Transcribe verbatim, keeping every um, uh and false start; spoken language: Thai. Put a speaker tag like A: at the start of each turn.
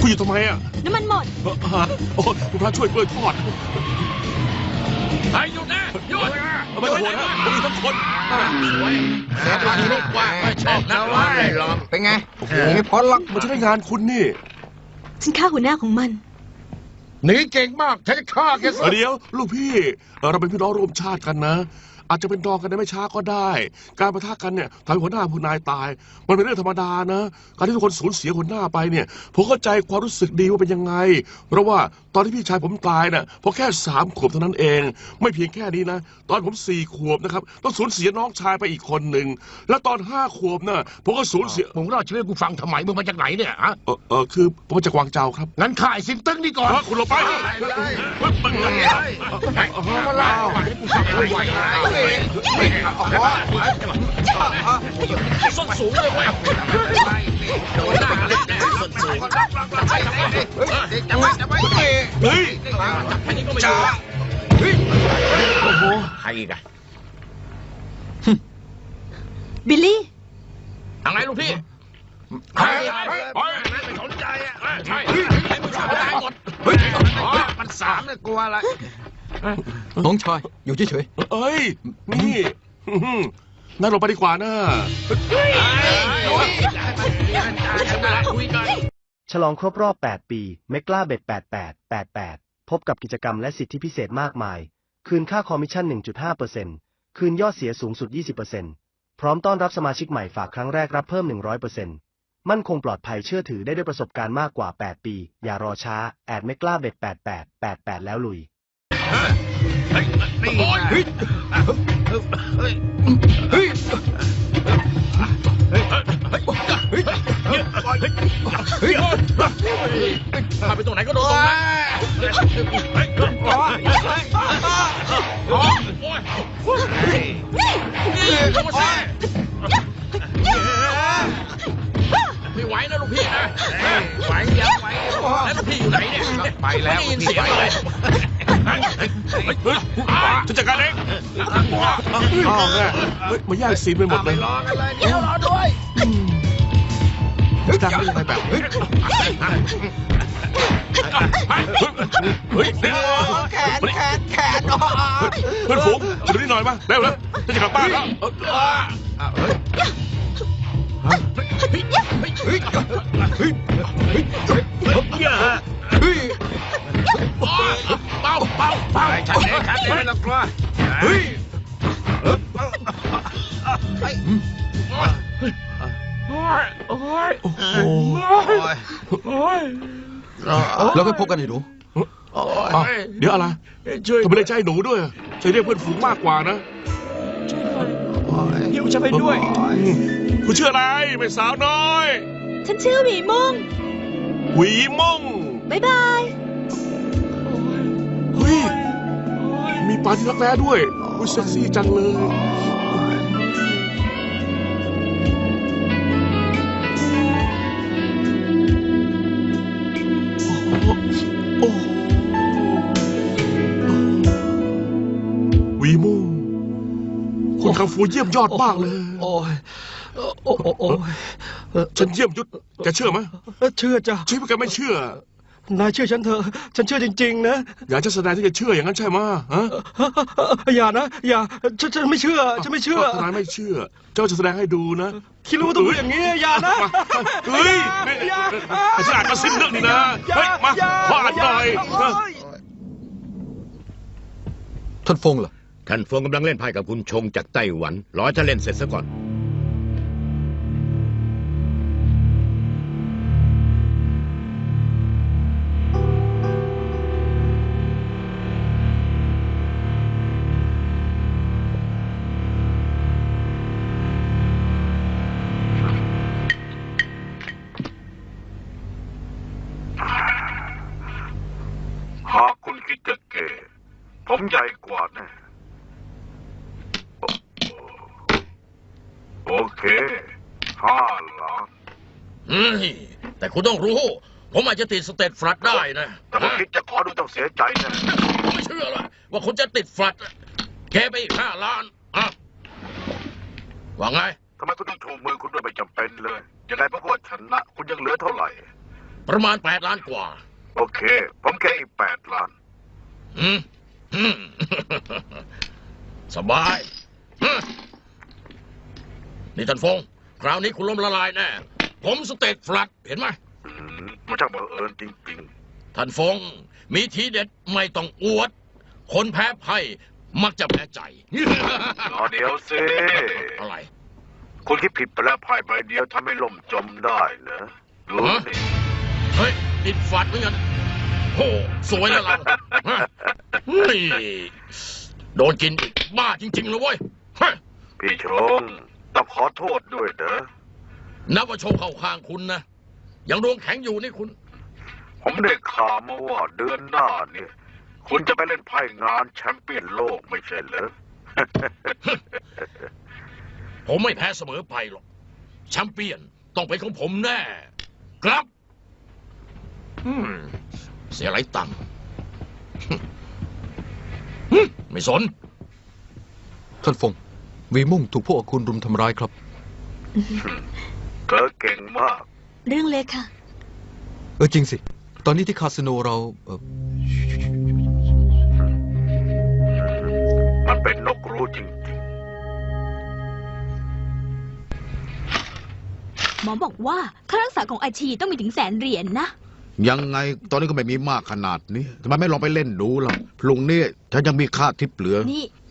A: คุณอยู่ทำไมอ่ะ
B: น้ำมันหมด
A: โอ้คุณพระช่วยกล้วยทอด
C: ไอ้หยุดนะหยุด
A: ไม่ต้องห่วงนะผมมีทั้งคน
C: สวยเสียตัวนี้ลูกว่าไม่ชอบนะว่าไม่ลอง
D: เป็นไงไม่พ้นหรอก
A: มันจะได้งานคุณนี่
B: ฉันฆ่าหัวหน้าของมัน
D: หนีเก่งมากฉันจะฆ่าแกซะ
A: เดี๋ยวลูกพี่เราเป็นพี่น้องร่วมชาติกันนะอาจจะเป็นดองกันได้ไม่ช้าก็ได้การปะทะกันเนี่ยทำให้หัวหน้าผู้นายตายมันเป็นเรื่องธรรมดานะการที่ทุกคนสูญเสียหัวหน้าไปเนี่ยผมเข้าใจความรู้สึกดีว่าเป็นยังไงเพราะว่าตอนที่พี่ชายผมตายน่ะพอแค่สามขวบเท่านั้นเองไม่เพียงแค่นี้นะตอนผมสี่ขวบนะครับต้องสูญเสียน้องชายไปอีกคนหนึ่งแล้วตอนห้าขวบน่ะผมก็สูญเสีย
D: ผมเล่าชีวิตกูฟังทำไมมึงมาจากไหนเนี่ยฮะ
A: เออเออคือผมมาจากกวางเจาครับ
D: งั้นข่ายสินตึ้งนี่ก่อน
A: คุณลงไป
D: มาเล่าให้กูฟังไม่ไหว
C: ส้นสูงเลยเว้ยโดนหน้าเล็กแน่ส้นสูง
D: จับไว้จับไว้
A: เฮ้ย
C: อันนี้ก็ไม่
D: จ้า
C: เฮ้ย
D: โอ้โหใครอีกอะ
B: บิลลี่
C: อะไรลูกพี่
D: ใคร
C: ไม่สนใจอ่ะใช่ไม่ชอบตายหมด
D: เฮ้ยมันสามเนี่ยกลัวอะไรน้องชายอยู่เฉย
A: ๆเอ้ยนี่นั่งลงไปดีกว่านะ
E: ฉลองครบรอบแปดปีเมกล้าเบ็ดแปดแปด แปดแปดพบกับกิจกรรมและสิทธิพิเศษมากมายคืนค่าคอมมิชชั่น หนึ่งจุดห้าเปอร์เซ็นต์ คืนยอดเสียสูงสุด ยี่สิบเปอร์เซ็นต์ พร้อมต้อนรับสมาชิกใหม่ฝากครั้งแรกรับเพิ่ม หนึ่งร้อยเปอร์เซ็นต์ มั่นคงปลอดภัยเชื่อถือได้ด้วยประสบการณ์มากกว่าแปดปีอย่ารอช้าแอดเมกล้าเบ็ดแปดแปด แปดแปดแล้วลุย
D: เฮ้ยเฮ้ยเฮ้ยเฮ้ย
C: พาไปตรงไหนก็โดนตรงนั้นไม่ไหวนะลูกพี่นะ
D: ไหวยังไหว
C: แล้วลูกพี่อยู่ไหนเนี่ย
D: ไปแล้ว
C: ไม่ยินเสียงเลย
A: จะจัดการเองอ้าวแม่มาแย่งซีนไปหมดเลย
D: รอกันเลยเดี๋ยวรอด้วย
A: จะทำได้ยังไงแบบเฮ้ยเฮ้ย
D: แขนแขนแขน
A: เพื่อนฝูงช่วยนิดหน่อยมาเร็วเลยจะกลับบ้านแล้ว
D: เฮ้ยเฮ้ยเฮ้ยเฮ้ยเฮ้ยเฮ้ย
C: เบาเบาเบา
D: ชัดเจนชัดเจนไม่ต้องกลัวเฮ้ย
C: โอ้ยโอ้ย
A: โอ้โห
C: โอ้ย
D: แล้วก็พบกันให้ดู
A: เดี๋ยวอะไรทำไมได้ใจหนูด้วยใจเรียกเพื่อนฝูงมากกว่านะ
C: หิวจะไปด้วย
A: คุณชื่ออะไรไม่สาวน้อย
B: ฉันชื่อหวีม่ง
A: หวีม่ง
B: บ๊ายบาย
A: เฮ้ยมีปลาที่รักแร้ด้วยอุ้ยเซ็กซี่จังเลยโอ้หวีม่งคุณคังฟูเยี่ยมยอดมากเลย
F: โอ้ยโอ้โอ้
A: ฉันเยี่ยมยุทธแกเชื่อไหม
F: เชื่อจ้ะ
A: ใช่ไหมแกไม่เชื่อน
F: ายเชื่อฉันเถอะฉันเชื่อจริงๆนะ
A: อยากจะแสดงที่จะเชื่ออย่างนั้นใช่ไหมฮะ
F: อย่านะอย่าฉันฉันไม่เชื่อฉันไม่เชื่อน
A: ายไม่เชื่อเจ้าจะแสดงให้ดูนะ
F: คิดรู้ตัวอย่างนี้อย่านะ
A: เฮ้ยไอ้ฉลาดมาสิ้นเรื่องนี่นะเฮ้ยมาขออ่านหน่อย
D: ท่านฟงเหรอ
G: ท่านฟงกำลังเล่นไพ่กับคุณชงจากไต้หวันรอให้ท่านเล่นเสร็จซะก่อน
H: หากคุณคิดจะเก๋ผมใหญ่กว่าแน่โอเคห้าล้าน
C: อืมแต่คุณต้องรู้ผมอาจจะติดสเตตฟลัดได้นะ
H: แต่ผมคิดจะขอดูต้องเสียใจนะ
C: ผมไม่เชื่อเลยว่าคุณจะติดฟลัดแค่ไปอีกห้าล้านอ่ะว่าไง
H: ทำไมคุณต้องชูมือคุณด้วยไม่จำเป็นเลยยังไงเพราะว่าชนะคุณยังเหลือเท่าไหร่
C: ประมาณแปดล้านกว่า
H: โอเค ผมแค่อีกแปดล้าน
C: อืมอืม สบายฮึนี่ท่านฟง คราวนี้คุณล้มละลายแน่ ผมสเต็กฟลัดเห็นไหม
H: อืมมันช่างบังเอิญจริง
C: ท่านฟง มีทีเด็ดไม่ต้องอวด คนแพ้ไพ่มักจะแพ้ใจ
H: ๆรอเดี๋ยวสิ
C: อะไร
H: คุณคิดผิดไปแล้วไพ่ใบเดียวทำให้ล่มจมได้เหรอดูสิ
C: เฮ้ย ติดฝัดเหมือนกันโหสวยแล้วเราฮะเฮ้ยโดนกินอีกบ้าจริงๆเลยเว้ยเฮ้ย
H: พี่ชงต้องขอโทษด้วยเด้อ
C: นับว่าโชคเข้าข้างคุณนะ ยังดวงแข็งอยู่นี่คุณ
H: ผมได้ข่าวมาว่าเดือนหน้าเนี่ย คุณจะไปเล่นไพ่งานแชมเปี้ยนโลกไม่ใช่เหรอ
C: ผมไม่แพ้เสมอไปหรอกแชมเปี้ยนต้องเป็นของผมแน่ ครับอืมเสียไรตังค์ฮึไม่สน
F: ท่านฟง วีมุ่งถูกพวกอคุณรุมทำร้ายครับ
H: เธอเก่งมาก
B: เรื่องเล็กค่ะ
F: เออจริงสิ ตอนนี้ที่คาสิโนเราเอ่อ
H: มันเป็นนกรู้จริง
B: หมอบอกว่าค่ารักษาของอาชีต้องมีถึงแสนเหรียญนะ
G: ยังไงตอนนี้ก็ไม่มีมากขนาดนี้ทำไมไม่ลองไปเล่นดูล่ะพรุ่งนี้ฉันยังมีค่าทิปเหลือ
B: นี่